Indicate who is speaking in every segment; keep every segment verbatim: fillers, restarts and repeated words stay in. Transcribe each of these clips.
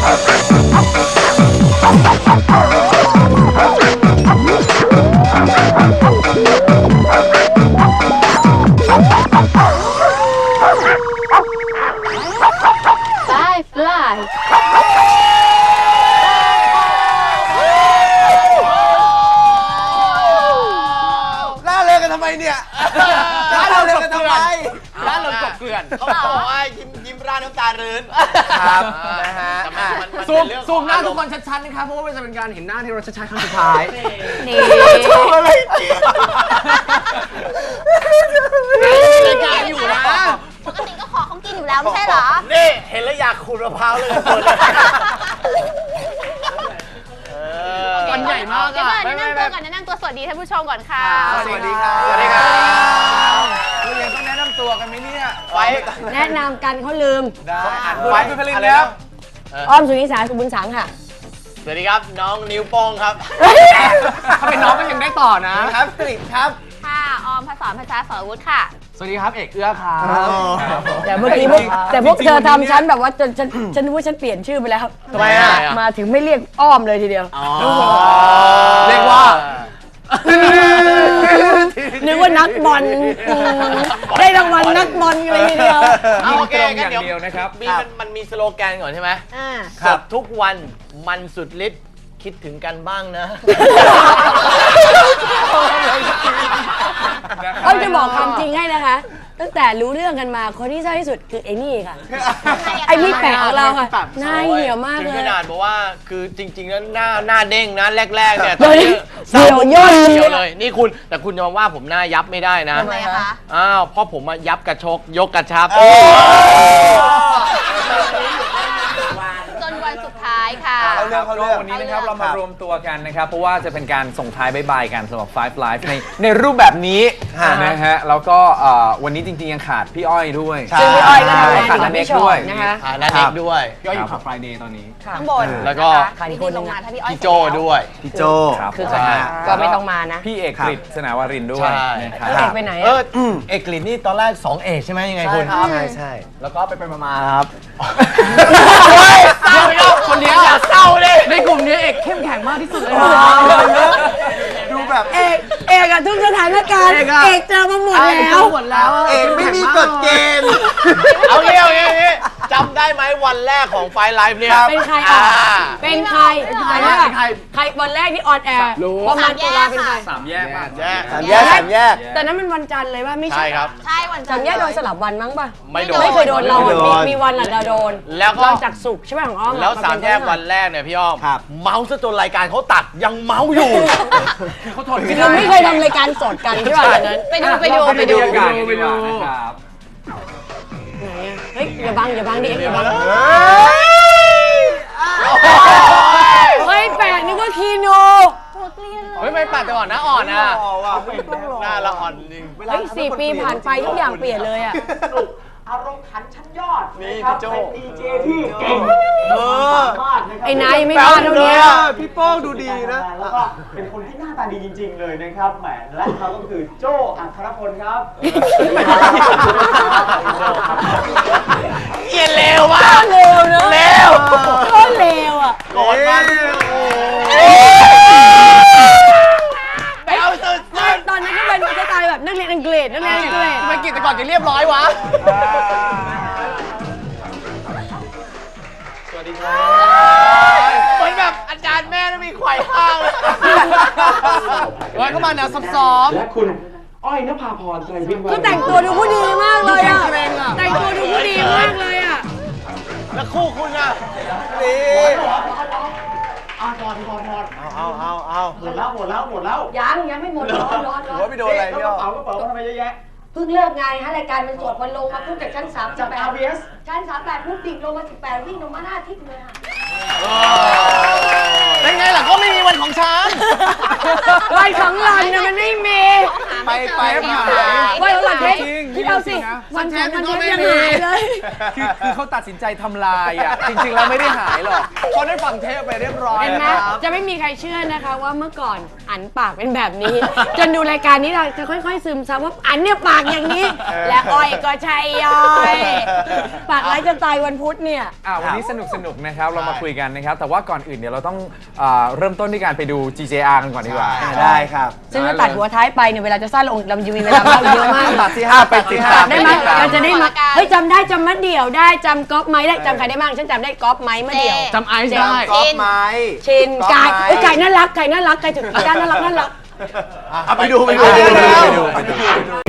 Speaker 1: ล่าเริงกันทำไมเนี่ยล่าเริงกันทำไมล่าเริงกบเกลื่อนเขาบอกว่ายิ้มยิ้มร่าน้ำตารื้นครับนะฮะซูมซูมหน้าทุกคนชัดๆนะครับเพราะว่ามันจะเป็นการเห็นหน้าที่เราชัดๆครั้งสุดท้ายนี่ชอบอะไรจริงรายการอยู่นะ
Speaker 2: ปกติก็ขอของกินอยู่แล้วไม่ใช่เหรอ
Speaker 1: นี่เห็นแล้วอยากขูดมะพร้าวเลยคน
Speaker 2: วันใหญ่มากอ่ะแนะนำตัวก่อนแนะนำตัวสวัสดีท่านผู้ชมก่อนค่ะ
Speaker 1: สวัสดีครับสวัสดีครับเรายังต้องแนะนำตัวกันไหมเนี่ยไว้
Speaker 3: แนะนำกันเขาลืม
Speaker 1: ได้ไว้เป็นผลิตแล้ว
Speaker 3: อ้อมสุนิสาสุบุญสังค่ะ
Speaker 1: สวัสดีครับน้องนิ้วโป้งครับถ้าเป็นน้องก็ยังได้ต่อนะครับผลิตครับ
Speaker 2: ค่ะออมภาษาภาษาสรวุฒิค่ะ
Speaker 1: สวัสดีครับเอกเอื้อครับ
Speaker 3: แต่เมื่อกี้พวกแต่พวกเธอทำฉันแบบว่าจนฉันฉันนึกว่าฉันเปลี่ยนชื่อไปแล้ว
Speaker 1: ทำไมอ่ะ
Speaker 3: มาถึงไม่เรียกอ้อมเลยทีเดียว
Speaker 1: เรียกว่า
Speaker 3: นึกว่านักบอลได้รางวัลนักบอลเลยทีเดียว
Speaker 1: โอเคกันเดี๋ยวนะครับมีมันมีสโลแกนก่อนใช่ไหมสดทุกวันมันสุดฤทธิ์คิดถึงกันบ้างนะ
Speaker 3: เขาจะบอกความจริงให้นะคะตั้งแต่รู้เรื่องกันมาคนที่ใช่ที่สุดคือไอ้นี่ค่ะไอ้นี่แปลกของเราค่ะหน้าเหี่ยวมากเลย
Speaker 1: ขนาดบอกว่าคือจริงๆแล้วหน้าหน้าเด้งนะแรกๆเนี่ย
Speaker 3: เหี่ยวย่น
Speaker 1: เลยนี่คุณแต่คุณจะมาว่าผมหน้ายับไม่ได้นะ
Speaker 2: ทำไมคะ
Speaker 1: อ้าวเพราะผมมายับกระชกยกกระชับ
Speaker 2: จนวันสุดท้ายค่ะ
Speaker 4: เอาเรื่องเขาเรื่องวันนี้นะครับเรามารวมตัวกันนะครับเพราะว่าจะเป็นการส่งท้ายบ๊ายบายกันสำหรับ Five Live ในในรูปแบบนี้นะฮะแล้วก็วันนี้จริงๆยังขาดพี่อ้อยด้วย
Speaker 3: ซึ่งพี่อ้อยก็
Speaker 4: ขาดนันเน็กด้วย
Speaker 3: นะคะ
Speaker 1: นันเน็กด้วย
Speaker 4: พี่อ้อยอยู่ขับ Friday ตอนนี้
Speaker 2: ข้างบน
Speaker 1: แล้วก็
Speaker 2: มีคนลงมาถ้าพี่อ้อย
Speaker 1: พี่โจด้วย
Speaker 4: พี่โจ
Speaker 3: คือก็ไม่ต้องมานะ
Speaker 4: พี่เอกกฤษสนาวรินด้วย
Speaker 3: นะครับเอกไปไหน
Speaker 1: เออเอกกฤษนี่ตอนแรกสองเอกใช่ไหมยังไงคุณ
Speaker 4: ใช่ใช่
Speaker 1: แล้วก็ไปไปมาๆครับคนเดียวอย่าเศร้าเลยในกลุ่มนี้เอกเข้มแข็งมากที่สุดเลย
Speaker 4: ดูแบบ
Speaker 3: เอกเอกอะทุกสถานการณ์เอกเจอมาหมดแล้ว
Speaker 1: หมดแล้ว
Speaker 4: เอกไม่มีกฎเกณฑ์
Speaker 1: เอาเงี้ยเอาเงี้ยจำได้ไหมวันแรกของไฟไลฟ์เนี่ย
Speaker 3: เป็นใครอ่ะเป็นใครเป็นใครใครวันแรกที่ออนแอร์ประมาณตุลาเป็นใคร
Speaker 4: สามแยกป่ะ
Speaker 1: แยก
Speaker 4: สามแยกสามแยก
Speaker 3: แต่นั้นมันวันจันทร์เลยป่ะไม่ใช่
Speaker 1: ครับ
Speaker 2: ใช่วันจันทร์
Speaker 3: สามแยกโดนสลับวันมั้งป่ะ
Speaker 1: ไม่โดน
Speaker 3: ไม่เคยโดนเรามีวันหลังเราโดน
Speaker 1: แล้วก็
Speaker 3: จากสุกใช่ไหมของอ้อม
Speaker 1: แล้วสามแยกวันแรกเนี่ยพี่อ้อมเมาส์ซะจนรายการเขาตัดยังเมาส์อยู่
Speaker 3: เขาทนเราไม่เคยทำรายการสดกันใช่ป่ะตอนนั้น
Speaker 2: ไปดูไปดูไปดู
Speaker 4: ไปดูครับ
Speaker 3: ไหนอ่ะเฮ้ยอย่าบังอย่าบังดิอย่าบังเฮ้ยแปลกนึกว่าคีโน
Speaker 1: เฮ้ยไม่ปัดแต่ก่อนหน้าอ่อนนะหน้าละอ่อนจริง
Speaker 3: เฮ้ยสี่ปีผ่านไปทุกอย่างเปลี่ยนเลยอ่ะ
Speaker 5: อารมณ์ขันชั้นยอด
Speaker 1: นี่พี่โจ
Speaker 5: เป็นดีเจที่เก่ง
Speaker 3: ไอ้นายไม่พลาดเท่านี้
Speaker 1: พี่โป้งดูดีนะ
Speaker 5: แล้วก็เป็นคนที่หน้าตาดีจริงๆเลยนะครับแหมและเขาก็คือโจอัครพลครับ
Speaker 1: เยี่ยเลวว่ะ
Speaker 3: เลวเนอะ
Speaker 1: เลว
Speaker 3: ก็เลวอ่ะ
Speaker 1: โกรธมาก
Speaker 3: ตอนนั้นก็เป็นสไตล์แบบนักเรียนอังกฤษนักเรียนอังกฤษ
Speaker 1: ทำไมกิจแต่ก่อนจะเรียบร้อยวะสวัสดีครับเหมือนแบบอาจารย์แม่ต้องมีไขว่ห้างเลยไว้เข้ามาแนวซ้อม
Speaker 5: และคุณอ้อยนภาพรไตรพิมพ์
Speaker 3: ก็แต่งตัวดูผู้ดีมากเลยอ่ะแต่งตัวดูผู้ดีมากเลยอ่ะ
Speaker 1: แล้วคู่คุณอ่ะนี่
Speaker 5: อ่ะพอดพอดพอด
Speaker 1: เอาเอาเอาเอา
Speaker 5: หมดแล้วหมดแล้วหมดแล้ว
Speaker 3: ยังยังไม่หมดร้อนร้อนร้อน
Speaker 1: ไม่โดนอะไรพี่
Speaker 5: กระเป๋ากระเป๋าทำไมเยอะแยะ
Speaker 3: เพิ่งเลิกงานฮะรายการมันสดมันลงมาพุ่งจากชั้นสาม
Speaker 5: จาก อาร์ บี เอส
Speaker 3: ชั้นสามแปดพุ่งดิ่งลงมาสิบแปดวิ่งลงมาหน้าทิศเลยค่ะ
Speaker 1: เป็นไงล่ะก็ไม่มีวันของฉัน
Speaker 3: ใบของหล่อนเนี่ยมันไม่มี
Speaker 1: ไปไปหา
Speaker 3: ใบของหล่อนเทป
Speaker 4: จริง
Speaker 3: ที่เราสิ
Speaker 4: จริงนะ
Speaker 3: วันสองวัน
Speaker 1: ก็
Speaker 3: เทป
Speaker 1: ไม่
Speaker 3: ยัง
Speaker 1: มี
Speaker 3: หายเลย
Speaker 4: คือคือเขาตัดสินใจทำลายอ่ะ จริงๆแล้วไม่ได้หายหรอก
Speaker 1: เขาได้ฟังเทปไปเรียบร้อย
Speaker 3: เห็นไหม
Speaker 1: นะครับ
Speaker 3: จะไม่มีใครเชื่อนะคะว่าเมื่อก่อนอันปากเป็นแบบนี้ จนดูรายการนี้เราจะค่อยๆซึมซับว่าอันเนี่ยปากอย่างนี้ และอ้อยก็ใช่ย่อยปากร้ายจนตายวันพุธเนี่ย
Speaker 4: อ่าวันนี้สนุกสนุกนะครับ เรามาคุยกันนะครับ แต่ว่าก่อนอื่นเดี๋ยวเราต้องอ่าเริ่มต้นด้วยการไปดู จี เจ อาร์ กันก่อนดีกว่า
Speaker 1: ได้ครับ
Speaker 3: ซึ่งถ้าตัดหัวท้ายไปเนี่ยเวลาจะสั้นลงเราจะมีเวลาเล่าเยอะมาก
Speaker 1: ตัดที่ห้าไปติดตาม
Speaker 3: ได้ไหม
Speaker 1: ติต
Speaker 3: เราจะได้มาเฮ้ยจำได้จำมะเดี่ยวได้จำก๊อฟไม้ได้จำใครได้บ้างฉันจำได้ก๊อฟไม้มะเดี่ยว
Speaker 2: จำไอซ์ได้
Speaker 1: กอล์ฟไม้
Speaker 3: ชิน
Speaker 1: ก๊อฟ
Speaker 3: ไก่
Speaker 1: ม้
Speaker 3: เอ้ยไก่น่ารักไก่น่ารักไก่ถึงด้านน่ารักน่ารัก
Speaker 1: เอาไปดูไปดู
Speaker 4: ไปดู
Speaker 1: ไป
Speaker 4: ไปดู
Speaker 1: ดู
Speaker 4: ไปดู
Speaker 1: ไปดู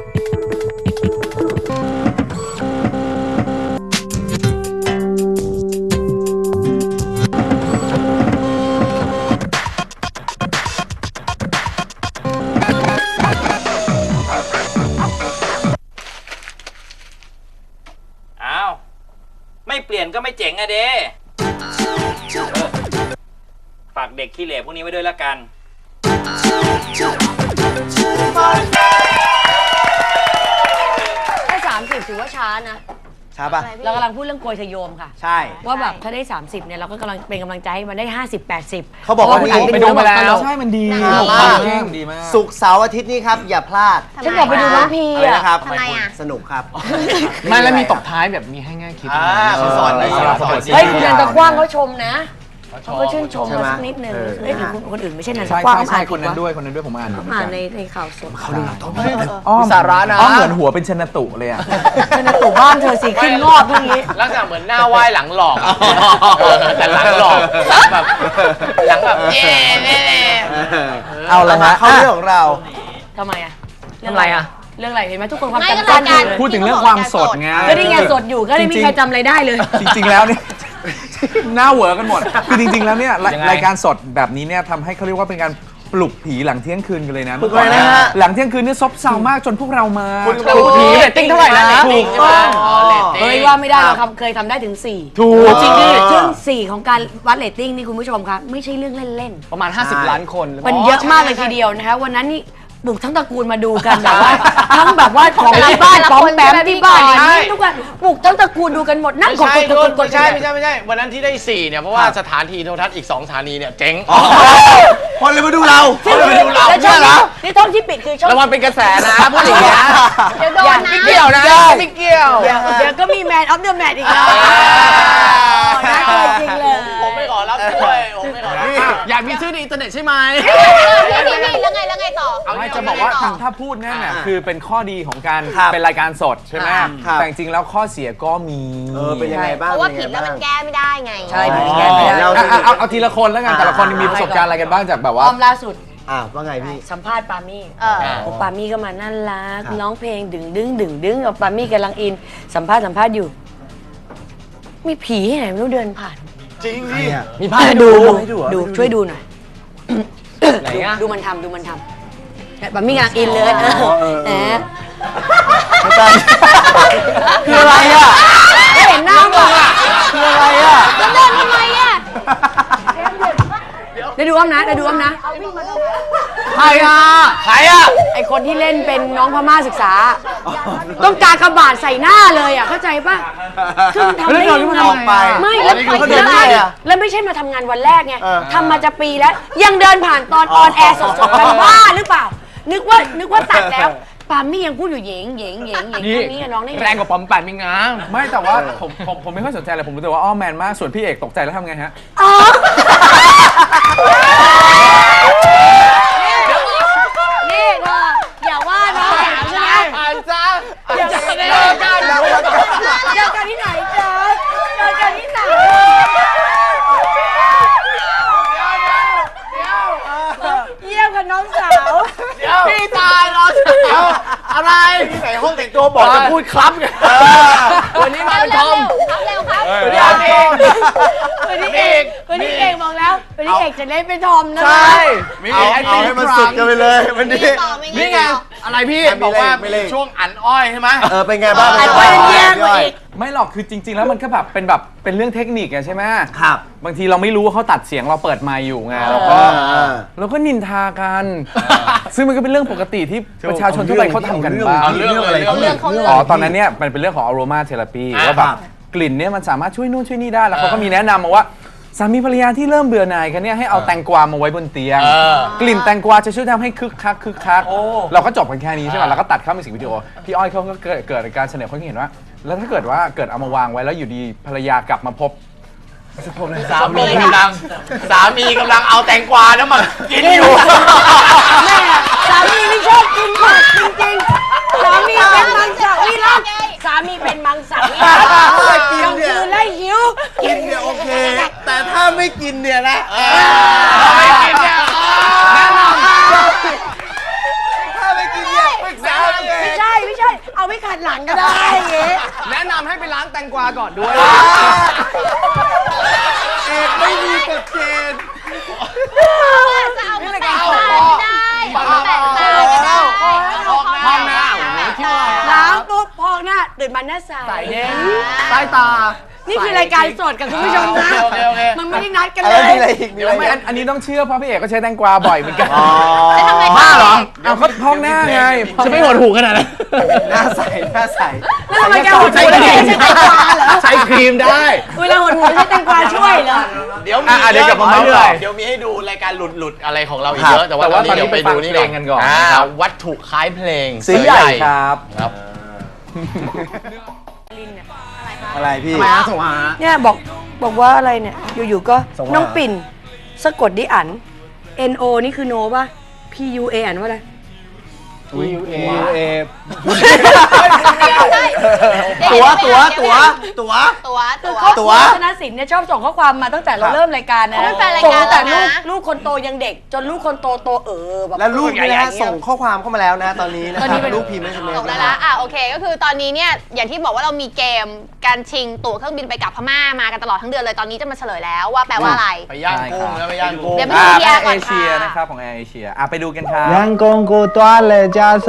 Speaker 6: อ้าว ไม่เปลี่ยนก็ไม่เจ๋งอะเด้ฝากเด็กขี้เหร่พวกนี้ไว้ด้วยละกัน
Speaker 3: แค่สามสิบถือว่าช้านะ
Speaker 1: ช้าป่ะ
Speaker 3: เรากำลังพูดเรื่องโกยทะโยมค่ะ
Speaker 1: ใช่
Speaker 3: ว่าแบบถ้าได้ สามสิบเนี่ยเราก็กำลังเป็นกำลังใจให้มันได้ ห้าสิบ แปดสิบ
Speaker 1: เขาบอกว่า
Speaker 3: พระ
Speaker 1: นี่
Speaker 3: น
Speaker 4: ไปดูมา
Speaker 3: ต
Speaker 4: แล้
Speaker 3: ล
Speaker 4: ว
Speaker 3: ก
Speaker 4: ใช่มันดี
Speaker 1: ดีมาก
Speaker 4: ดีมาก
Speaker 1: ศุกร์เสาร์อาทิตย์นี้ครับ อย่าพลาด
Speaker 3: ฉันอยากไปดูน้องพี
Speaker 1: อะไร
Speaker 3: อ่ะ
Speaker 1: นะครับ
Speaker 2: ทำไมอ่ะ
Speaker 1: สนุกครับ
Speaker 4: ไม่แล้วมีตบท้ายแบบมีให้ง่ายคิด
Speaker 1: อ่าเขาสอนดี
Speaker 4: เออ
Speaker 1: เขาสอนดี
Speaker 3: เฮ้ยคุณนันตะกว้างเขาชมนะเขาก็ชื่นชม
Speaker 1: ใช่ไหม
Speaker 3: มาสักนิดนึง
Speaker 1: เออ
Speaker 3: เอ้ยหรือคนคนอื่นไม่ใช่นันตะ
Speaker 4: ใช่
Speaker 3: กว้าง
Speaker 4: ใช่ใช่
Speaker 3: อ่า
Speaker 4: คนนั้น
Speaker 3: ผิ
Speaker 4: ด้วยคนนั้นด้วยผมอ่านอยู่
Speaker 3: เขาอ่านในในข่าวสด
Speaker 4: อ้อม
Speaker 1: มีสาระนะ
Speaker 4: อ้อมเหมือนหัวเป็นชนตุเลยอ่ะ
Speaker 3: ชนตุบ้านเธอสิขึ้นงอกพวกนี้
Speaker 7: ลักษณะเหมือนหน้าไหว้หลังหลอกเออแต่หลังหลอกหลังแบบหลังแบบเย่เย่เย่
Speaker 1: เอาละฮะเข้าเรื่องของเรา
Speaker 3: ทำไมอ่ะ
Speaker 7: ทำไรอ่ะ
Speaker 3: เรื่องอะไรเห็นไหมทุกคนความ
Speaker 2: ไม่ก็
Speaker 3: จำสั้น
Speaker 2: รายการ
Speaker 3: อยู่เลย
Speaker 4: พูดถึงเรื่องความสดไง
Speaker 3: ก็นี่ไงสดอยู่ก็ไม่มีใครจำอะไรได้เลย
Speaker 4: จริงๆ แล้วเนี่ย หน้าเหวอกันหมด คือจริงๆ แล้วเนี่ยราย
Speaker 7: ยังไง
Speaker 4: รายการสดแบบนี้เนี่ยทำให้เขาเรียกว่าเป็นการปลุกผีหลังเที่ยงคืนกันเลยนะ
Speaker 1: ปลุกเลยนะฮะ
Speaker 4: หลังเที่ยงคืนเนี่ยซบเซามากจนพวกเรามา
Speaker 1: คุณ
Speaker 4: ปลุกผี
Speaker 7: เรตติ้งเท่าไหร่นะ
Speaker 4: ถูกต้อง
Speaker 7: อ๋อเรตติ้ง
Speaker 3: เฮ้ยว่าไม่ได้เราทำเคยทำได้ถึงสี่
Speaker 4: ถูก
Speaker 3: จริงดิซึ่งสี่ของการวัดเรตติ้งนี่คุณผู้ชมคะไม่ใช่เรื่องเล่น
Speaker 7: ประมาณ ห้าสิบ ล้านคน
Speaker 3: ๆมันเยอะมากเลยทีเดียวนะคะวันนั้นนี่ปลุกทั้งตระกูลมาดูกันแบบว่า ทั้งแบบว่าของที่บ้านป้อมแปมที่บ้านนี่ทุกคนปลุกทั้งตระกูลดูกันหมดนั่ง
Speaker 7: ไม่
Speaker 3: กด
Speaker 7: ใช่
Speaker 3: กดกดกด
Speaker 7: ไม่ใช่ไม่ใช่ไม่ใช่ วันนั้นที่ได้สี่เนี่ย เพราะว่าสถานทีโทรทัศน์อีกสองสถานีเนี่ยเจ๊ง
Speaker 1: คนเลยมาดูเราคนเลยมาดูเรา
Speaker 3: แล้วช่องนี้นี่ช่องที่ปิดคือช่อง
Speaker 7: แล้วมันเป็นกระแสนะพูดอย่างเงี้ย
Speaker 2: เดี๋ยวโดนนะ
Speaker 7: ไม่เกี่ยวนะไม่เกี่ยว
Speaker 3: เดี๋ยวก็มีแมนออฟเดอะแมทอีกแล้วน่ากลัวจริงเลย
Speaker 7: ผมไม่ขอรับด้วยผมไม่ขอรับอยากมีชื่อในอินเทอร์เน็ตใช่ไหม
Speaker 2: นี่นี่แล้วไงแล้วไงต่อ
Speaker 4: ไม่จะบอกว่าถ้าพูดนั่นน่ะคือเป็นข้อดีของการ
Speaker 1: ครับ
Speaker 4: เป็นรายการสดใช่ไหม
Speaker 1: ครับ
Speaker 4: แต่จริงๆแล้วข้อเสียก็มี
Speaker 1: เออเป็นยังไงบ้าง
Speaker 2: เพราะว่า
Speaker 1: ป็
Speaker 2: ผิด
Speaker 1: น
Speaker 2: แล้ว
Speaker 1: ยังไง
Speaker 2: มัน
Speaker 1: บ้าง
Speaker 2: แก้ไม่ได้ไง
Speaker 3: ใช่ผิดแก้ไม่ได้
Speaker 1: เรา
Speaker 4: เอาเอาเอาทีละคนแล้วกัน แต่ละคนมีประสบการณ์อะไรกันบ้างจากแบบว่า
Speaker 3: อ้อมล่าสุด
Speaker 1: อ่าว่าไงพี่
Speaker 3: สัมภาษณ์ปามี่
Speaker 2: เออ
Speaker 3: โอ้ปามี่ก็มาน่ารัก
Speaker 1: ครับ
Speaker 3: ร้องเพลงดึงดึงดึงดึงกับปามี่กำลังอิน สัมภาษณ์สัมภาษณ์อยู่ มีผีที่ไหนไม่รู้เดินผ่าน
Speaker 1: จริงดิ
Speaker 7: มีภาพให้ดู
Speaker 1: ให้ดูเหรอ
Speaker 3: ดูช่วยดูหน่อย
Speaker 7: ไหนอะ
Speaker 3: ดูมันทำดูมันทำเนี่ยปามี่กำลังอินเลย
Speaker 1: เออ
Speaker 3: แหม
Speaker 1: คืออะไรอ่ะ
Speaker 3: ไม่เห็นหน้ามั้งอ่ะ
Speaker 1: คืออะไรอ่ะ
Speaker 2: แล้วเดินทำไมอ่ะ
Speaker 3: ได้ดูอ้อมนะได้ดูอ้อมนะ
Speaker 7: ใครอ่ะใครอ่ะ
Speaker 3: ไอคนที่เล่นเป็นน้องพม่าศึกษา ต้องการกระบาดใส่หน้าเลยอ่ะเข้าใจป่ะคือมันทำได้ยังไง
Speaker 1: ออกไป
Speaker 3: ไม่
Speaker 1: อ๋อ
Speaker 3: แล้ว
Speaker 1: นี่คือเขาเดินได้อะ
Speaker 3: แล้วไม่ใช่มาทำงานวันแรกไง
Speaker 1: เออ
Speaker 3: ทำมาจะปีแล้ว ยังเดินผ่านตอนออนแอร์สดๆกันบ้าหรือเปล่า นึกว่านึกว่าตัดแล้วปามี่ยังพูดอยู่เหยงเหยงเหยงเหยง
Speaker 7: นี่
Speaker 3: แค่นี้กับน้องได้ไง
Speaker 7: แรงกว่าปอมแปมอีกนะ
Speaker 4: ไม่แต่ว่าผมผมผมไม่ค่อยสนใจเลยผมรู้แต่ว่าอ้อมแมนมากส่วนพี่เอกตกใจแล้วทำไงฮะ
Speaker 3: อ๋อ นี่เธออย่าว่าน้องถามใช่ไหม
Speaker 7: อ่านจ้า
Speaker 3: อย่า
Speaker 7: จะ
Speaker 3: เจ
Speaker 7: เจ
Speaker 3: อ
Speaker 7: อ
Speaker 3: กั
Speaker 7: กัน น
Speaker 3: เจอกันที่ไหนจ๊ะเจอกันที่ไหนเยี่ยมกับน้องสาว
Speaker 7: พี่ตายรอเช้าอะไร
Speaker 1: ที่ไหนห้องแต่งตัวบอกจะพูดครับไง
Speaker 7: วันนี้มาเป็นท
Speaker 2: เร็
Speaker 7: อ
Speaker 2: ว
Speaker 7: ม
Speaker 2: เร็วครับเร็วครับ
Speaker 7: เดี๋ยวเอง
Speaker 3: วันนี้เองวันนี้เองบอกแล้วเป็นเอกจะเล่นเป็นทอมนะ
Speaker 4: ใช่
Speaker 1: เอาเอาให้มันสุดกันไปเลยวันนี้
Speaker 2: ต่อไม่
Speaker 7: นี่ไง อะไรพี่
Speaker 1: ไม่
Speaker 7: บอก
Speaker 1: เล่น
Speaker 7: ว่า
Speaker 1: ไม่เล่น
Speaker 7: ช่วงอันอ้อยใช่ไหม
Speaker 1: เออเป็นไงบ้าง
Speaker 3: ไอ้คนแย่กว่าอีก
Speaker 4: ไม่หรอกคือจริง ๆ แล้วมันก็แบบเป็นแบบเป็นเรื่องเทคนิคอะใช่ไหม
Speaker 1: ครับ
Speaker 4: บางทีเราไม่รู้ว่าเขาตัดเสียงเราเปิดไมค์อยู่ไงเราก็
Speaker 1: อ่า
Speaker 4: เราก็นินทากัน ซึ่งมันก็เป็นเรื่องปกติที่ประชาชนทั่วไปเขาทำกันบ้าง
Speaker 7: เอาเรื่องอะไร
Speaker 2: เขาเรื่องเขาเรื่อง
Speaker 4: อ๋อตอนนั้นเนี่ยมันเป็นเรื่องของ aroma therapy
Speaker 7: อ่า
Speaker 4: ว่าแบบกลิ่นเนี่ยมันสามารถช่วยนู่นช่วยนี่ได้แล้วเขาก็มีแนะนำมาว่าสามีภรรยาที่เริ่มเบื่อหน่ายกันเนี่ยให้เอาแตงกวามาไว้บนเตียง
Speaker 7: เออ
Speaker 4: กลิ่นแตงกวาจะช่วยทำให้คึกคักคึกคักเราก็จบกันแค่นี้ใช่ไหมเราก็ตัดเข้ามิวสิกวิดีโอพี่อ้อยเขาก็เกิดเกิดการเสนอความคิดเห็นว่า แล้วถ้าเกิดว่าเกิดเอามาวางไว้แล้วอยู่ดีภรรยากลับมาพบ
Speaker 7: สามีกำลังสามีกำลังเอาแตงกวาแล้วมากินอยู่
Speaker 3: แม่สามีไม่ชอบกินผักจริงๆ สามีเป็นมังสวิรัตสามีเป็นมังสวิรัตกลางคืนไล่หิว
Speaker 1: กินเนี่ยโอเค แต่ถ้าไม่กินเนี่ยนะ
Speaker 7: ไม่กินเนี่ย
Speaker 4: แนะน
Speaker 1: ถ้าไม่กินเนี่ยปรึกษาเอง
Speaker 3: ไม่ใช่ไม่ใช่ เอาไว้ขัดหลังก็ได้อย่างเงี้ย
Speaker 4: แนะนำให้ไปล้างแตงกวาก่อนด้วย
Speaker 1: เอกไม่มีกฎเกณฑ์
Speaker 2: จะเอามาแต่งตาไม่ได้เอามาแต่งตาไม่ได้
Speaker 7: ห้องหน้าโอ้โหคิดว่า
Speaker 3: ล้างปุ๊บพองหน้าตื่นมาหน้าใส
Speaker 7: เย็นใต้ตา
Speaker 3: นี่คือรายการสดกับคุณผู้ชมนะ
Speaker 7: โอเคโอเค
Speaker 3: มันไม่ได้นัดกัน
Speaker 1: อะ
Speaker 3: เล
Speaker 1: ไร
Speaker 3: ย
Speaker 1: มีอะไรอีกมีอะไร
Speaker 4: ไม่
Speaker 1: อีก
Speaker 4: อันอันนี้ต้องเชื่อเพราะพี่เอกก็ใช้แตงกวาบ่อยเหมือนกัน
Speaker 1: อ๋อ
Speaker 2: แล้วทำไม
Speaker 7: บ้าเหรอ
Speaker 4: เอาเขาพองหน้าไง
Speaker 7: จะไม่หดหูขนาดนั้น
Speaker 1: หน้าใสหน้าใส
Speaker 3: แล้วทำไมแกหัว
Speaker 7: ใช้
Speaker 3: หัว
Speaker 7: ครี
Speaker 3: ใช้
Speaker 7: ม
Speaker 3: แตงกวาเหรอ
Speaker 7: ใช้ครีมได้
Speaker 3: เวลาหัวหัวใช้แตงกวาช่วยเหรอ
Speaker 7: เดี๋ยวมี
Speaker 4: อ่ะเดี๋ยวกลับมาเมาส์ต่อ
Speaker 7: เดี๋ยวมีให้ดูรายการหลุดหลุดๆอะไรของเราอีก
Speaker 1: ครับ
Speaker 7: เยอะ แต่ว่า
Speaker 4: แต่
Speaker 7: ตอ
Speaker 4: ว่าน
Speaker 7: นี้เดี๋ยวไปดูนี่
Speaker 4: ตอนนี้ไปฟังเพลงกันก่อน
Speaker 7: อ่า
Speaker 4: นะครับ
Speaker 7: วัตถุคล้ายเพลง
Speaker 1: สีใหญ่
Speaker 4: ครับ
Speaker 7: ครับ
Speaker 1: อะไรพี่
Speaker 3: เนี่ยบอกบอกว่าอะไรเนี่ย อยู่ๆก็น้องปิ่นสะกดดิอัน N O นี่คือโนป่ะ P U A อ่านว่าอะไร
Speaker 1: U A A
Speaker 2: ตั
Speaker 1: ตัว ว
Speaker 2: ตั
Speaker 1: ตัว วตัวตัว
Speaker 2: ตัวตัว
Speaker 3: ครอบค
Speaker 1: ตั
Speaker 3: รั
Speaker 1: ว
Speaker 3: วธนสินเนี่ยชอบส่งข้อความมาตั้งแต่เราเริ่มรายการนะ
Speaker 2: เขาเป็นแฟนราย
Speaker 3: ส่ง
Speaker 2: การ
Speaker 3: ตั้งแต่
Speaker 2: แล้ว
Speaker 3: ลูก
Speaker 2: นะ
Speaker 3: ลูกคนโตยังเด็ก จนลูกคนโตโตเออแบบ
Speaker 1: และลูกนี่นะฮะ
Speaker 3: ใหญ่ๆ
Speaker 1: ส่งข้อความเข้ามาแล้วนะตอนนี้นะ
Speaker 3: ตอน
Speaker 1: ค
Speaker 3: นี้
Speaker 1: รับ
Speaker 3: เป็น
Speaker 1: ลูกพิมพ์ไม่ใช่ไหม
Speaker 2: ตกได้แล้วอ่ะโอเค ก็คือตอนนี้เนี่ยอย่างที่บอกว่าเรามีเกมการชิงตั๋วเครื่องบินไปกับพม่ามากันตลอดทั้งเดือนเลยตอนนี้จะมาเฉลยแล้วว่าแปลว่าอะไร
Speaker 7: ไปย่างกุ้งแล้วไปย่างกุ้ง
Speaker 2: เดี๋ยวไป
Speaker 4: อ่า
Speaker 2: ดู
Speaker 4: แอ
Speaker 2: พี
Speaker 4: ร์
Speaker 2: อา
Speaker 4: เอ
Speaker 2: ร์ก่อนค่ะ
Speaker 4: เชียนะครับของแอร์เอเชียอ่ะไปดูกันครับ
Speaker 5: ยังกงกูตัวเลยจ้าสุ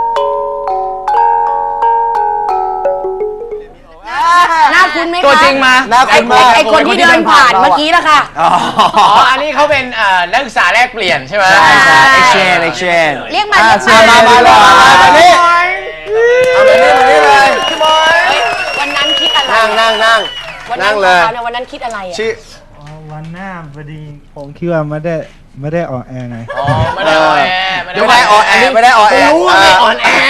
Speaker 3: หน้าคุณไหมคะ
Speaker 7: ตัวจริงมา
Speaker 1: น่า
Speaker 3: ไอ้
Speaker 1: คุ้นมาก
Speaker 3: ไอ้คนที่เดินผ่านเมื่อกี้ละค่ะ
Speaker 1: อ๋อ
Speaker 7: อ๋อ อันนี้เขาเป็นเอ่อนักศึกษาแลกเปลี่ยนใช่ไหม
Speaker 1: ใช่ใช่ exchange exchange
Speaker 2: เรียกมา
Speaker 1: อ่ะ
Speaker 2: เรียก
Speaker 1: เชิญมามาเลยมามามานี่เอามานี่มานี่เลย
Speaker 3: เฮ้ยวันนั้นคิดอะไร
Speaker 1: นั่งนั่งนั่ง
Speaker 3: วัน
Speaker 1: นั่
Speaker 3: นั้น
Speaker 1: งเลย
Speaker 3: เขาเนี่ยวันนั้นคิดอะไรอ่ะ
Speaker 1: ชื่อ
Speaker 5: วันหน้าพอดีผมคิดว่าไม่ได้ไม่ได้ออกแอร์ไง
Speaker 7: อ๋อ ไม่ได้ออนแอร์
Speaker 1: ไม่ได้ออนแอร์ไม่ได้ออนแอร์
Speaker 7: รู้ว่าไม่ออนแอร์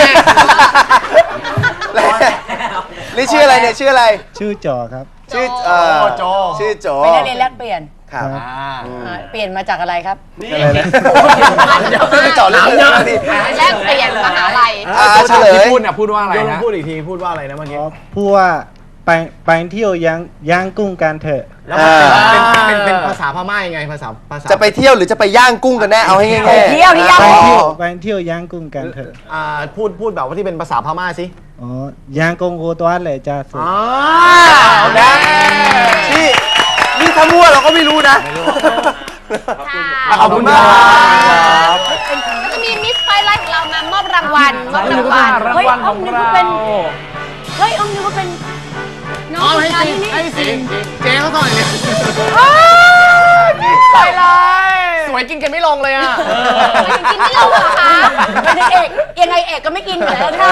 Speaker 1: นี่ชื่ออะไรเนี่ยชื่ออะไร
Speaker 5: ชื่อจอครับ
Speaker 1: ชื่อเอ่อ
Speaker 7: โจ
Speaker 1: ชื่อโจ
Speaker 3: ไปได้เรียนแลกเปลี่ยน
Speaker 1: ครับ
Speaker 5: ครับ
Speaker 3: อ่าเปลี่ยนมาจากอะไรครับ
Speaker 5: อะไรนะ
Speaker 1: ชื่อโจเรื่องเยอะดิ
Speaker 2: แลกเปลี่ยนมหาลัย
Speaker 1: อ่าเฉล
Speaker 4: ที่
Speaker 1: ย
Speaker 4: พูดเนี่ยพูดว่าอะไรนะ
Speaker 5: พูดอีกทีพูดว่าอะไรนะเมื่อกี้พูดว่าไปไปเที่ยวยังย่างกุ้งกันเถอะ
Speaker 1: อ่า
Speaker 7: เป็นเป็นเป็นภาษาพม่ายังไงภาษาภาษา
Speaker 1: จะไปเที่ยวหรือจะไปย่างกุ้งกันแน่เอาให้ง่าย
Speaker 3: ไปเที่ยวที่ย่าง
Speaker 5: ไป
Speaker 3: กุ้ง
Speaker 5: เที่ยวไปเที่ยวย่างกุ้งกันเถอะ
Speaker 7: อ่าพูดพูดแบบว่าที่เป็นภาษาพม่าสิ
Speaker 5: อ๋อย่างกุ้งกูตัวเลยจ้าสุ
Speaker 7: อ๋อ
Speaker 1: ๆนะนี่นี่ถ้ามั่วเราก็ไม่รู้นะ ขอบคุณมากครับ
Speaker 2: ก็จะมีมิสไฟไลท์ของเรามามอบรางวัลมอบรางวัล
Speaker 4: รางวัลของเรา
Speaker 3: เฮ้ยอ้อมนึกว่าเป็นน้อง
Speaker 7: อ๋อ
Speaker 3: ผู้
Speaker 7: ให้
Speaker 3: ชาย
Speaker 7: สิ
Speaker 3: นี่
Speaker 7: ให้สิเจ๊เขาต่อยเนี่ย
Speaker 4: ไปเลย
Speaker 7: สวยกินกันไม่ลงเลยอ่ะ
Speaker 2: กินไม่ลงเหรอคะ
Speaker 3: เป็นนางเอกยังไงเอกก็ไม่กินอยู่แล้วค่ะ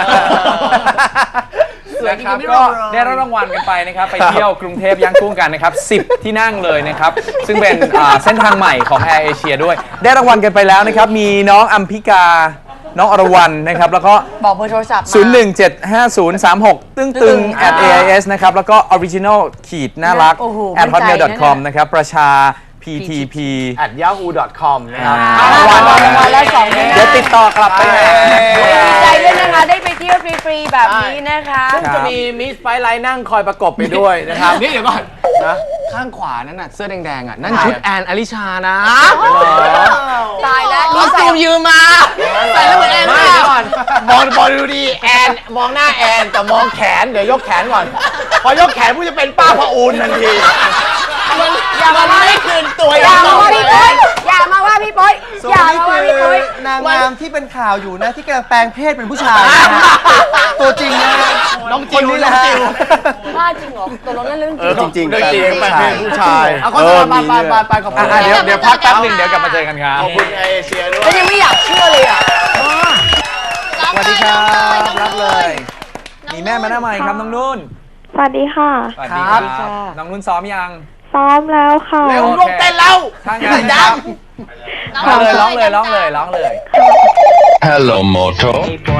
Speaker 4: นะครับก็ได้รับรางวัลกันไปนะครับ ไปเที่ยวกรุงเทพย่างกุ้งกันนะครับสิบที่นั่งเลยนะครับ ซึ่งเป็นอ่าเส้นทางใหม่ของ Air Asia ด้วย ได้รางวัลกันไปแล้วนะครับ มีน้องอัมพิกา น้องอรวรรณนะครับ แล้วก็
Speaker 3: บอกเบอร์โทรศัพท์มา
Speaker 4: ศูนย์ หนึ่ง เจ็ด ห้า ศูนย์ สาม หก ตึ้งตึง at เอ ไอ เอส นะครับ แล้วก็ original ขีดน่ารัก
Speaker 3: โอ้โห
Speaker 4: at
Speaker 3: มั่นใจ
Speaker 4: hotmail
Speaker 3: นะ
Speaker 4: com นะครับ ประชา พี ที พี
Speaker 7: แอท ยาฮู ดอท คอม นะครับ
Speaker 3: อ่าร
Speaker 4: างวัล
Speaker 3: รางวัลละสองที่นั่ง
Speaker 4: เดี๋ยวติดต่อกลับไปหา
Speaker 3: ดีใจด้วยนะคะ ได้ไปเที่ยวฟรีๆแบบนี้นะคะ
Speaker 7: ซึ่งจะมีมิสไฟไลท์นั่งคอยประกบไปด้วยนะครับ นี่เดี๋ยวก่อนนะข้างขวานั่นน่ะเสื้อแดงๆอ่ะ นั่นชุดแอนอลิชานะ
Speaker 3: ตายแล้ว
Speaker 7: คอสตูมยืมมาใส่แล้วเหมือนแอนไม่เดี๋ยวก่อนมองบอลดูดีแอนมองหน้าแอนแต่มองแขนเดี๋ยวยกแขนก่อน พอยกแขนผู้จะเป็นป้าพะอูนทันทีมันมันไม่คืนตัว
Speaker 1: วย
Speaker 3: อย่ามาว่าพี่ปุ้ยอย่ามาว่าพี่ปุ้ย
Speaker 8: ส่ว
Speaker 3: อน ย่า
Speaker 8: นี้
Speaker 3: มาว่า
Speaker 8: คื
Speaker 3: พี่ปุ้ย
Speaker 8: อนางงามที่เป็นข่าวอยู่นะที่กำลังแปลงเพศเป็นผู้ชายนะฮะตัวจริงนะฮะ
Speaker 1: น้อง
Speaker 8: ค
Speaker 1: จิ
Speaker 8: น
Speaker 1: ว
Speaker 8: นี้แห
Speaker 1: น้
Speaker 8: ละ
Speaker 1: อง
Speaker 8: ฮะ
Speaker 1: จิว
Speaker 3: ว่าจริงเหรอตกลงนั่นเรื่องจริง
Speaker 8: จริงๆ
Speaker 1: เรื่องจริง
Speaker 8: แปลงเพศผู้ชาย
Speaker 1: เอาโฆษณาไปไปไปขอบคุณ
Speaker 4: อ่ะเดี๋ยวเดี๋ยวพักแป๊บหนึ่งเดี๋ยวกลับมาเจอกันครับ
Speaker 1: ขอบคุณแอร์เอเชียด้วย
Speaker 3: ก็ยังไม่อยากเชื่อเลยอ่ะ
Speaker 4: สวัสดีครับรับเลย มีแม่มาหน้าใหม่ครับน้องนุ่น
Speaker 9: สวัสดีค่ะ
Speaker 4: สวัสดีครับน้องนุ่นซ้อมยัง
Speaker 9: ซ้อมแล้วค่ะ
Speaker 1: เร็วลูกเต้นแล้ว
Speaker 4: ถ้างั้น
Speaker 1: ดัง
Speaker 4: มาเลยร้องเลยร้องเลยร้องเลย
Speaker 10: Hello Moto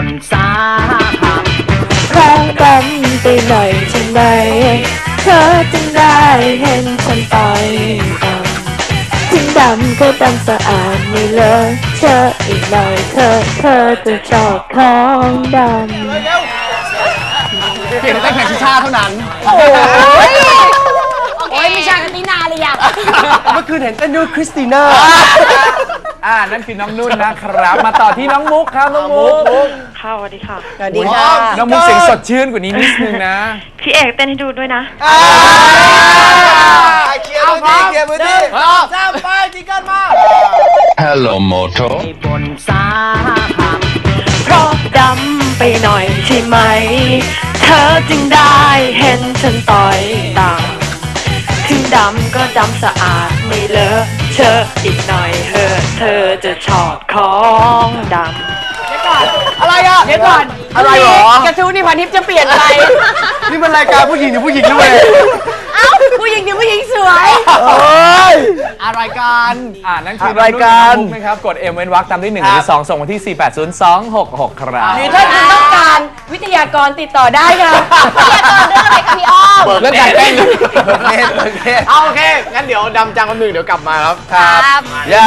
Speaker 9: แรงกันไปหน่อยใช่ไหมเธอจึงได้เห็นฉันต่อยดำถึงดำก็ดำสะอาดไม่เลอะเธออีกหน่อยเธอเธอจะชอบของดำ
Speaker 1: เปลี่ยนแต่แข่งชิชาเท่านั้น
Speaker 3: โอ้ยโอ้ยไม่ใช่กันนี่นาเลยอ่ะ
Speaker 8: เมื่อคืนเห็นเต้นด้วยคริสติน่า
Speaker 4: อ่านั่นคือน้องนุ่นนะครับ มาต่อที่น้องมุกครับน้องมุก
Speaker 9: ค่ะสวัสดีค่ะ
Speaker 3: สวัสดีค่ะ
Speaker 4: น้องมุกเสียงสดชื่นกว่านี้นิดนึงนะ
Speaker 9: พี่เอกเต้นให้ดูด้วยนะ
Speaker 1: เคลียร์พื้นที่เคลียร์พื้นที่สามไปจิงกันมา
Speaker 10: Hello Moto
Speaker 9: เพราะดำไปหน่อยใช่ไหม เธอจึงได้เห็นฉันต่อยต่างถึงดำก็ดำสะอาดไม่เลอะเชอะอีกหน่อยเธอเธอจะชอบของดำ
Speaker 1: อะไรอ่ะ
Speaker 3: เดี๋ยวก่อน
Speaker 1: อะไรหรอ
Speaker 3: กระทู้นี่พันทิพย์จะเปลี่ยนไป
Speaker 8: นี่มันรายการผู้หญิงหรือผู้หญิงด้วย
Speaker 3: เอ้าผู้หญิงคือผู้หญิงสวย
Speaker 8: เอ้ย
Speaker 1: อะไรกัน
Speaker 4: อ่านั่นคือ
Speaker 8: รายการ
Speaker 4: น้องนุ่นกับน้องมุกนะครับ กด M เว้นวรรคตามด้วยหนึ่งหรือสองส่งมาที่ สี่แปดศูนย์สองหกหก ครับ
Speaker 3: หรือถ้าคุณต้องการวิทยากรติดต่อได้ค่ะ
Speaker 2: วิทยากรเรื่องอะไรคะพี่อ้อม
Speaker 1: เรื่องการเต้น
Speaker 8: เบิกเนตเบิกเนต
Speaker 1: เอาโอเค งั้นเดี๋ยวดำจังคนหนึ่งเดี๋ยวกลับมาครับ
Speaker 2: ครับ
Speaker 8: อย่า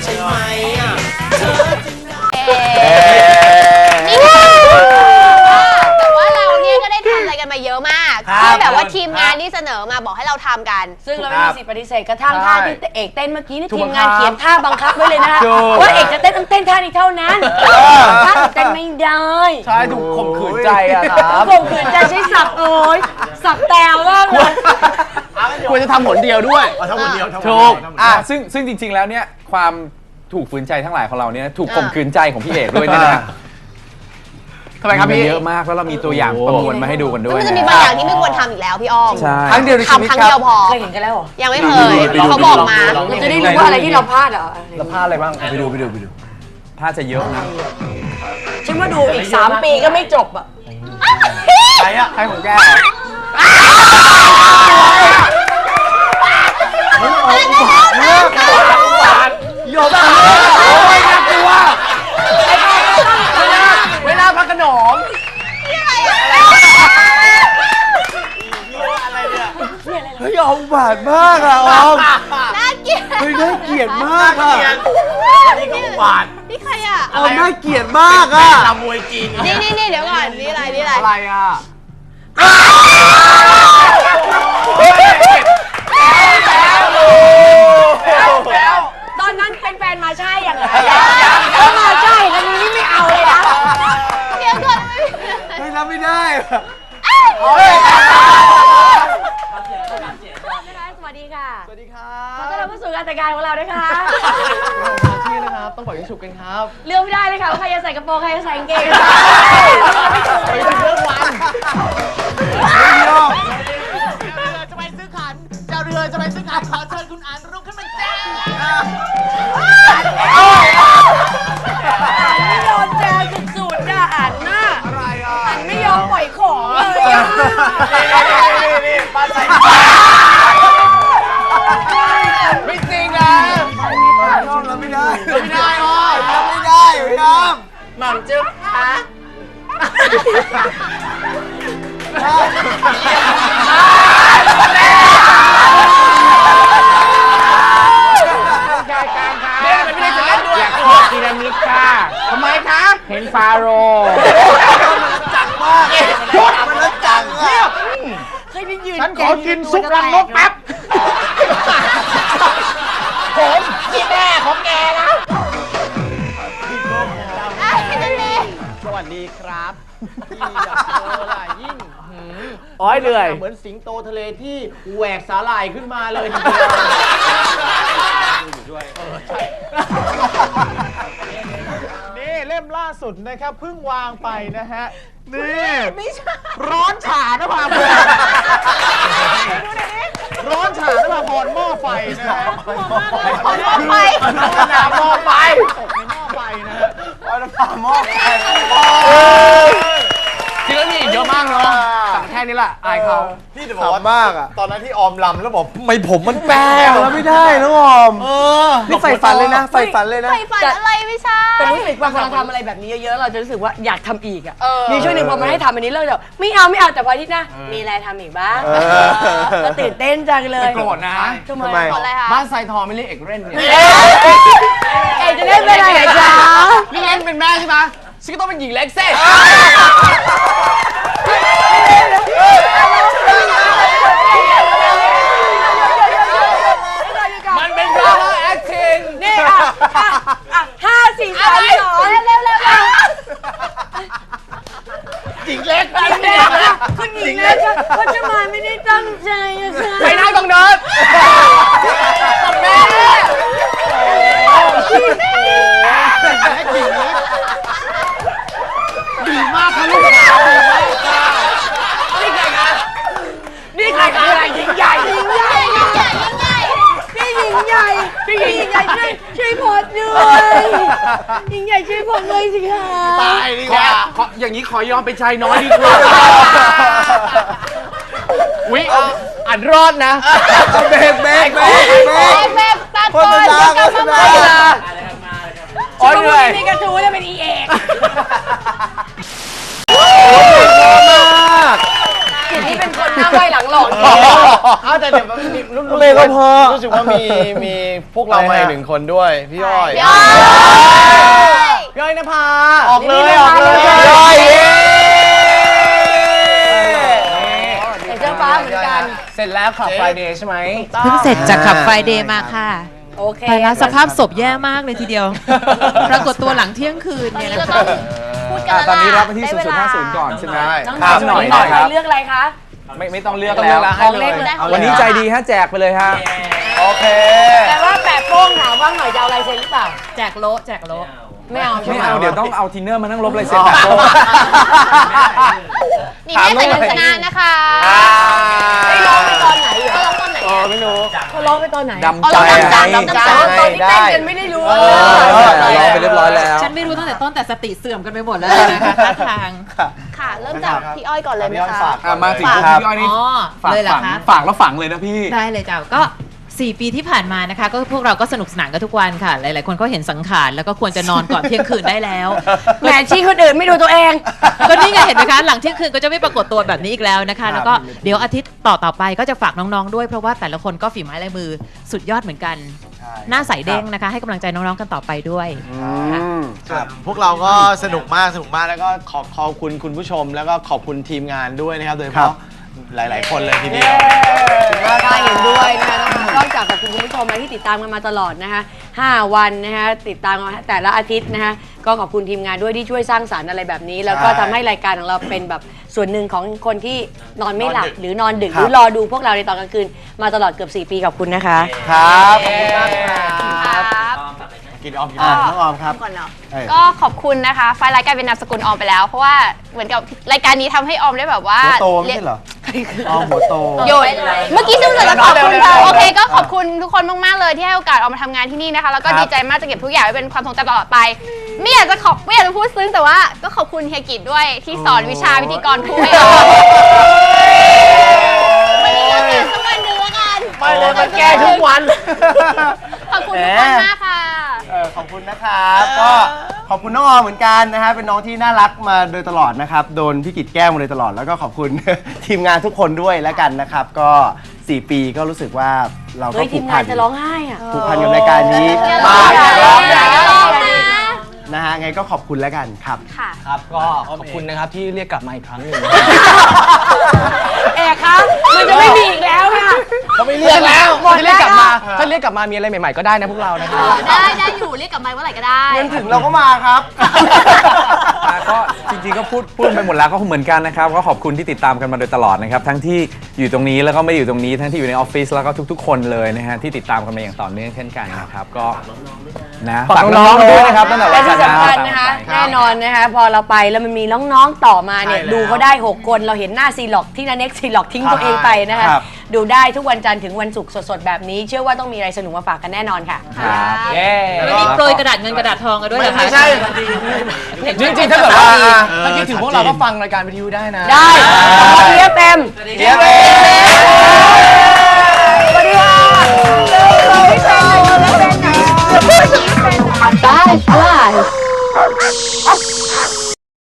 Speaker 2: เอ๊นี่ก็แต่ว่าเราเนี่ยก็ได้ทำอะไรกันมาเยอะมากที่แบบว่าทีมงานนี่เสนอมาบอกให้เราทำกัน
Speaker 3: ซึ่งเราไม่มีสิทธิ์ปฏิเสธกระทั่งท่าที่เอกเต้นเมื่อกี้นี่
Speaker 4: ถูก
Speaker 3: ทีมงาน
Speaker 4: บังคับ
Speaker 3: เขียนท่าบังคับไว้เลยนะคะ
Speaker 4: ถูก
Speaker 3: ว่าเอกจะเต้นต้องเต้นท่านี้เท่านั้นท่าอื่นเต้นไม่ได้
Speaker 1: ใช่ถูกข่มขืนใจอะครับ
Speaker 3: ข่มขืนใจใช้สับโอ้ยสับแตวมากเลย
Speaker 1: ควรจะทำผลเดียวด้วยทำผลเดียว
Speaker 4: ถูกอ่ะซึ่งซึ่งจริง ๆ แล้วเนี่ยความถูกฝืนใจทั้งหลายของเราเนี่ยถูกข่มขืนใจของพี่เอกด้วยเนี่ยนะ
Speaker 1: ทำไมครับพี่
Speaker 4: เยอะมากแล้วเรามีตัวอย่างประมวลมาให้ดูกันด้
Speaker 2: ซึ่ง
Speaker 4: วย
Speaker 2: มันจะมี
Speaker 4: นะ
Speaker 2: บางอย่างที่ไม่ควรทำอีกแล้วพี่อ้อม
Speaker 4: ใช่
Speaker 8: ครั้งเดียวในชีวิต
Speaker 2: ทำครั้ง
Speaker 8: ครั
Speaker 2: เดียว
Speaker 8: บ
Speaker 2: พอ
Speaker 3: เคยเห็นกันแล้วเหรอ
Speaker 2: ยังไม่เคยเขาบอกมา
Speaker 3: เราจะได้รู้ว่าอะไรที่เราพลาดเหรอ
Speaker 8: แล้วพลาดอะไรบ้างไปดูไปดูไปดู
Speaker 4: ถ้าจะเยอะนะ
Speaker 3: ฉันว่าดูอีกสามปีก็ไม่จบอ่ะ
Speaker 8: ใครอะใครของแก
Speaker 1: โยบ้าโอ้ยน่ากลัวเวลาพักขนม
Speaker 8: เฮ้ยเอาบาดมากอะออม
Speaker 2: น่าเกลียด
Speaker 8: เฮ้ยน่าเกลียดมากอะ
Speaker 1: นี่ก็หวาน
Speaker 2: นี่ใครอ่ะ
Speaker 8: ออมน่าเกลียดมากอะ
Speaker 1: ลำมวยจีน
Speaker 2: นี่นี่นี่เดี๋ยวก่อน นี่อะไร นี่อะไร
Speaker 1: อะไรอ่ะ
Speaker 3: ตอนนั้นเป็นแฟนมาใช่ยังไงถ้ามาใช่แล้วนี้ไม่เอาเลยนะ
Speaker 2: เดี๋ยวก่อน
Speaker 8: ไม่รับไม่ได้
Speaker 3: สวัสดีค่ะ
Speaker 1: สวัสดีครั
Speaker 3: ขอต้อนรับเข้าสู่การแต่งงานของเรานะคะ
Speaker 1: ที่นะครับ ต้องปล่อยยิงฉุบกันครับ
Speaker 3: เลือกไม่ได้เลยค่ะว่าใครจะใส่กระโปรงใครจะใส่กางเกง
Speaker 1: ไปถึงเรื่องวัน
Speaker 11: จะไปซื้อขันเจ้าเรือจะไปซื้อขันขอเชิญคุณอันรุ่งขึ้นมาแจ้ง
Speaker 3: ไม่ยอมแจกสุดๆอ่ะอันน่ะอะไรอ่ะอันไม่ยอมปล่อยของเลยอ่ะ
Speaker 1: นี่นี่ปลาใส่ไม่จริงนะ
Speaker 8: ยอมรับไม่ได้
Speaker 1: ไม่ได้อ๋อ
Speaker 8: รับไม่ได้พี่น้อง
Speaker 1: หม่ำจึ๊บฮะ
Speaker 4: เล่นไม่ได้จะเล่นด้วยอยากขอพีระมิดค่ะ
Speaker 1: ทำไมคะ
Speaker 4: เห็นฟาโรห์
Speaker 1: จังมากชุดมันแล้วจังเงียบ
Speaker 3: เคยไปยืน
Speaker 1: ฉันขอกินซุปรังนกแป๊บ ผมที่แม่ของแกนะ สวัสดีครับพี่อยากเจอล่ะยิ่ง
Speaker 7: อ๋อยเหนื่อย
Speaker 1: เหมือนสิงโตทะเลที่แหวกสาหร่ายขึ้นมาเลยทีเดียว
Speaker 6: ด้วย
Speaker 5: นี่เล่มล่าสุดนะครับเพิ่งวางไปนะฮะนี่ร้อนฉ่านะพาพรร้อนฉ่านะพาพรหม้อไฟนะฮะ
Speaker 2: หม้อไฟ
Speaker 5: หม้อไฟตกในหม้อไฟนะฮะ
Speaker 8: หม้อไฟ
Speaker 7: จริงแล้วมีอีกเยอะมากเนาะแต่แค่นี้แหละอายเขา
Speaker 8: พี่จะบอกว่ามากอ่ะ
Speaker 5: ตอนนั้นที่ออมลำแล้วบอก
Speaker 8: ไม่ผมมันแป้งแล้วไม่ได้น้องออม
Speaker 5: เออ
Speaker 8: นี่ใฝ่ฝันเลยนะใฝ่ฝันเลยนะ
Speaker 2: ใฝ่ฝันอะไรไม่ใช่
Speaker 3: แต่รู้สึกว่าพอเราทำอะไรแบบนี้เยอะๆเราจะรู้สึกว่าอยากทำอีกอ่ะ
Speaker 2: เออ
Speaker 3: มีช่วงหนึ่งพอมาให้ทำอันนี้เราจะไม่เอาไม่เอาแต่พออาที่หน้ามีอะไรทำอีกบ้าง
Speaker 8: เออ
Speaker 3: ก็ตื่นเต้นจังเลย
Speaker 7: โกรธนะ
Speaker 3: ทำไม
Speaker 8: ทำไม
Speaker 2: ขออะไรคะ
Speaker 7: บ้านไซทองไม่เรียกเอกเล่นเนี่ย
Speaker 3: เอ๊ะจะเล่นเป็นอะไรเหรอจ๊ะ
Speaker 7: นี่เล่นเป็นแม่ใช่ไหมฉันก็ต้องเป็นหญิงเล็กเซ่มันเป็นดราม่าแอคติ้ง
Speaker 3: นี่อ่ะอ่ะอ่ะห้าสี่สามสองเร็วเร็วเร็ว
Speaker 5: หญิงเล็ก
Speaker 3: หญิงเล็กอ่ะคุณหญิงเล็กอ่ะก็จะมาไม่ได้ตั้งใจอะค่ะ
Speaker 7: ไปนั่งตรงนั้นกับแม่
Speaker 5: หญิงเล็กหญิงเล็กดีมากค่ะลูกสาวดีมากค่ะ
Speaker 7: นี่ใครคะ
Speaker 3: นี่ใครคืออะไรหญิงใหญ่หญิงใหญ่หญิงใหญ่พี่หญิงใหญ่พี่หญิงใหญ่ช่วยช่วยพอดด้วยหญิงใหญ่ช่วยพอดด้วยสิคะ
Speaker 5: ตายดี
Speaker 7: ข
Speaker 5: ก
Speaker 7: อ
Speaker 5: ว่า
Speaker 7: ขออย่างนี้ขอยอมเป็นชายน้อยดีกว่าวิอ่านรอดนะ
Speaker 8: เบรกเบรกเบรกเบรก
Speaker 2: แม่ตา
Speaker 8: โฆ
Speaker 2: โก
Speaker 8: ษ
Speaker 2: น
Speaker 8: ณา
Speaker 2: จะ
Speaker 8: โฆ
Speaker 2: กลับ
Speaker 8: ษ
Speaker 2: มา
Speaker 8: ณา
Speaker 2: ใหม่
Speaker 7: โอ้ยเหนื่อย
Speaker 3: นี่กระทู้จะเป็นอีเอก กิจนี่เป็นคนหน้าไหวหลังหลอก
Speaker 5: เอาแต่เดี๋ยวมันมีรู้
Speaker 8: เบรกก็พอ
Speaker 5: รู้สึกว่ามีมีพวกเรามาอีกหนึ่งคนด้วยพี่อ้อย
Speaker 2: พี่อ้อย
Speaker 7: พี่อ้อยนภา
Speaker 5: ออกเลยออกเลย
Speaker 8: ย่อย
Speaker 3: ใส่เสื้อฟ้าเหมือนกัน
Speaker 7: เสร็จแล้วขับไฟเดย์ใช่ไหม
Speaker 11: เพิ่งเสร็จจากขับไฟเดย์มาค่ะ
Speaker 3: โอเค
Speaker 11: แต่ละสภาพศพแย่มากเลยทีเดียว ปรากฏตัวหลังเที่ยงคืน
Speaker 2: ตอน
Speaker 11: เนี่ย
Speaker 2: นี้
Speaker 11: นะ
Speaker 2: เรา
Speaker 11: คะ
Speaker 2: ต้องพูดกัน
Speaker 4: อ่ะ
Speaker 2: แล้ว
Speaker 4: ตอนนี้รับไปที่
Speaker 2: ได้
Speaker 4: ศูนย์
Speaker 2: เว
Speaker 4: ศูนย์
Speaker 2: ลา
Speaker 4: ห้าศูนย์ก่อนใช่ไหม
Speaker 3: น้อง
Speaker 4: ถามหน่อยหน่อยครับ
Speaker 3: เลือกอะไรคะ
Speaker 4: ไม่ไม่ต้องเลือกแล้ว
Speaker 3: ของเล็กเลย
Speaker 4: วันนี้ใจดีฮะแจกไปเลยฮะ
Speaker 8: โอเค
Speaker 3: แต่ว่าแปะโป้งถามว่าหน่อยจะเอาลายเซ็นหรือเปล่า
Speaker 11: แจกโลแจกโล
Speaker 3: ไม่เอาใช่
Speaker 4: ไม่
Speaker 3: ไหม
Speaker 4: เอาเดี๋ยวต้องเอาทินเนอร์มานั่งลบลายเซ็นแบบโป้
Speaker 2: นี่แม่ใส่เงินชนะนะคะ
Speaker 3: ไอ้ร้องไปตอนไหนเหร
Speaker 2: เขา
Speaker 3: อ
Speaker 2: ร้องตอนไหน
Speaker 5: ไม่รู้
Speaker 3: เขาร้องไปตอนไหน
Speaker 4: ดำใจ
Speaker 2: เอาดำใจ
Speaker 4: ไง
Speaker 2: ดำใจ
Speaker 3: ตอนที่เต้นกันไม่ได้รู้
Speaker 8: เออ
Speaker 4: รอไปเรียบร้อยแล้ว
Speaker 11: ฉันไม่รู้ตั้งแต่ต้นแต่สติเสื่อมกันไปหมดแล้วนะคะท่าทาง
Speaker 2: ค่ะ เริ่มจากพี่อ้อยก่อนเลยไหม
Speaker 5: พี่อ้อย
Speaker 2: คะ
Speaker 5: ฝาก
Speaker 4: อ่ะมาถึง
Speaker 2: ฝาก
Speaker 4: พี่อ้อยนี่
Speaker 11: อ๋อ
Speaker 4: ฝาก
Speaker 11: เลยเหรอ
Speaker 4: ฝัง
Speaker 11: คะ
Speaker 4: ฝากแล้วฝังเลยนะพี่
Speaker 11: ได้เลยจ้าก็สี่ปีที่ผ่านมานะคะ ก็พวกเราก็สนุกสนานกันทุกวันค่ะ หลาย ๆ คนก็เห็นสังขารแล้วก็ควรจะนอนก่อนเที่ยงคืนได้แล้ว
Speaker 3: แหมชี้คนอื่นไม่ดูตัวเอง
Speaker 11: ก็นี่ไงเห็นไหมคะหลังเที่ยงคืนก็จะไม่ปรากฏตัวแบบนี้อีกแล้วนะคะ แล้วก็เดี๋ยวอาทิตย์ต่อต่อไปก็จะฝากน้อง ๆ ด้วยเพราะว่าแต่ละคนก็ฝีไม้ลายมือสุดยอดเหมือนกัน หน้าใสเด้งนะคะ ให้กำลังใจน้อง ๆ กันต่อไปด้วยค่ะ
Speaker 5: ครับพววกเราก็สนุกมากสนุกมากแล้วก็ขอขอบคุณคุณผู้ชม แล้วก็ขอบคุณทีมงานด้วยนะครับโดยเฉพาะหลาย ๆ คนเลยทีเดียว
Speaker 3: ก็เห็นด้วยนะคะนอกจากขอบคุณคุณผู้ชมนะที่ติดตามกันมาตลอดนะคะห้าวันนะคะติดตามมาแต่ละอาทิตย์นะคะก็ขอบคุณทีมงานด้วยที่ช่วยสร้างสรรค์อะไรแบบนี้ แล้วก็ทำให้รายการของเราเป็นแบบส่วนหนึ่งของคนที่นอนไม่หลับหรือนอนดึกหรือรอดูพวกเราในตอนกลางคืนมาตลอดเกือบสี่ปีขอบคุณนะคะ
Speaker 8: ครับขอบคุณมากค
Speaker 2: ครับ รับ
Speaker 5: กินออมกินออมน้องออมครับ
Speaker 2: ก่อนเนาะ
Speaker 5: เอ้ย
Speaker 2: ก็ขอบคุณนะคะ ไฟล์รายการเป็นนามสกุลออมไปแล้ว เพราะว่าเหมือนกับรายการนี้ทำให้ออมได้แบบว่า
Speaker 8: หัวโตไม่ใช่เหรอออมหัวโต
Speaker 2: โยนเมื่อกี้ซึ่งจะขอบคุณค่ะโอเคก็ขอบคุณทุกคนมากๆเลยที่ให้โอกาสออมมาทำงานที่นี่นะคะ แล้วก็
Speaker 8: ครับ
Speaker 2: ดีใจมากจะเก็บทุกอย่างไว้เป็นความทรงจำตลอดไป ไม่อยากจะขอบไม่อยากจะพูดซึ้งแต่ว่าก็ขอบคุณเฮียกิจด้วยที่สอนวิชาพิธีกรคู่ให้ออมวันนี้เราเจอสักวันหนึ่งแล้วกัน
Speaker 5: ไม่เลยมันแก้ทุกวัน
Speaker 2: ขอบคุณทุกคนมากค่ะ
Speaker 8: เออขอบคุณนะครับก็ขอบคุณน้องออมเหมือนกันนะฮะเป็นน้องที่น่ารักมาโดยตลอดนะครับโดนพี่กิจแกล้งมาโดยตลอดแล้วก็ขอบคุณ ทีมงานทุกคนด้วยแล้วกันนะครับก็สี่ปีก็รู้สึกว่าเราก็
Speaker 3: เฮ้ย
Speaker 8: ผู
Speaker 3: ที
Speaker 8: ก
Speaker 3: ม
Speaker 8: พั
Speaker 3: งาน
Speaker 8: น
Speaker 3: จะร้องไห้อ่ะ
Speaker 8: ผูกพันกับรายการนี้
Speaker 2: อย่า
Speaker 8: มา
Speaker 2: ร้อง
Speaker 8: ก
Speaker 2: อย่าร้องอย่าร้องนะ
Speaker 8: นะฮะไงก็ขอบคุณแล้วกันครับ
Speaker 2: ค่ะ
Speaker 7: ครับก็ขอบคุณนะครับที่เรียกกลับมาอีกครั้งหนึ่ง
Speaker 3: เอกคะมันจะไม่มีอีกแล้วค่ะ
Speaker 5: เขาไม่เรียกแล้ว
Speaker 3: หมด
Speaker 7: ถ้า
Speaker 3: แล้
Speaker 7: เรียกกลับมา
Speaker 3: ว
Speaker 7: ถ้าเรียกกลับมามีอะไรใหม่ ๆ ก็ได้นะพวกเรานะครับ
Speaker 2: ได้ได้อยู่เรียกกลับมาเมื่อไหร่ก็ได้
Speaker 8: เงินถึงเราก็มาครับ
Speaker 4: อ่ะก็จริงๆก็พูดพูดไปหมดแล้วก็เหมือนกันนะครับก็ขอบคุณที่ติดตามกันมาโดยตลอดนะครับทั้งที่อยู่ตรงนี้แล้วก็ไม่ได้อยู่ตรงนี้ทั้งที่อยู่ในออฟฟิศแล้วก็ทุกๆ คนเลยนะฮะที่ติดตามกันมาอย่างต่อเนื่องเช่นกันนะครับก็นะ
Speaker 7: ฝากน้องๆด้วยนะครับตั้งแต่
Speaker 3: และ
Speaker 7: วัน
Speaker 3: ที่
Speaker 7: จันทร์
Speaker 3: สำคัญนะคะแน่นอนนะคะพอเราไปแล้วมันมีน้องๆต่อมาเนี่ยดูเขาได้หกคนเราเห็นหน้าซีล็อกที่นันเน็กซีล็อกทิ้งตัวเองไปนะคะดูได้ทุกวันจันทร์ถึงวันศุกร์สดๆแบบนี้เชื่อว่าต้องมีอะไรสนุกมาฝากกันแน่นอนค่ะ
Speaker 4: เย้
Speaker 11: วันนี้โปรยกระดาษเงินกระดาษทองกันด้วยเหรอคะ
Speaker 5: ไม่ใช่
Speaker 7: จริงๆถ้าเกิดว่าถ้าคิดถึงพวกเราก็ฟังรายการวิทยุได้นะ
Speaker 3: ได้ขอเทียบเต็ม
Speaker 5: เดี๋ยว
Speaker 3: สวัสดีค่ะไม่เป็นไรไม่เป็นไร Bye, bye.